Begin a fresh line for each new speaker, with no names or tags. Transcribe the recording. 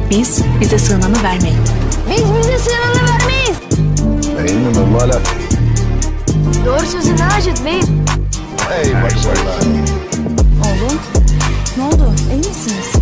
Biz bize sığınanı vermeyiz.
Biz bize sığınanı vermeyiz.
Değil mi Mummalat?
Doğru sözü Nacit Bey.
Hey maşallah.
Oğlum, ne oldu? İyi misiniz?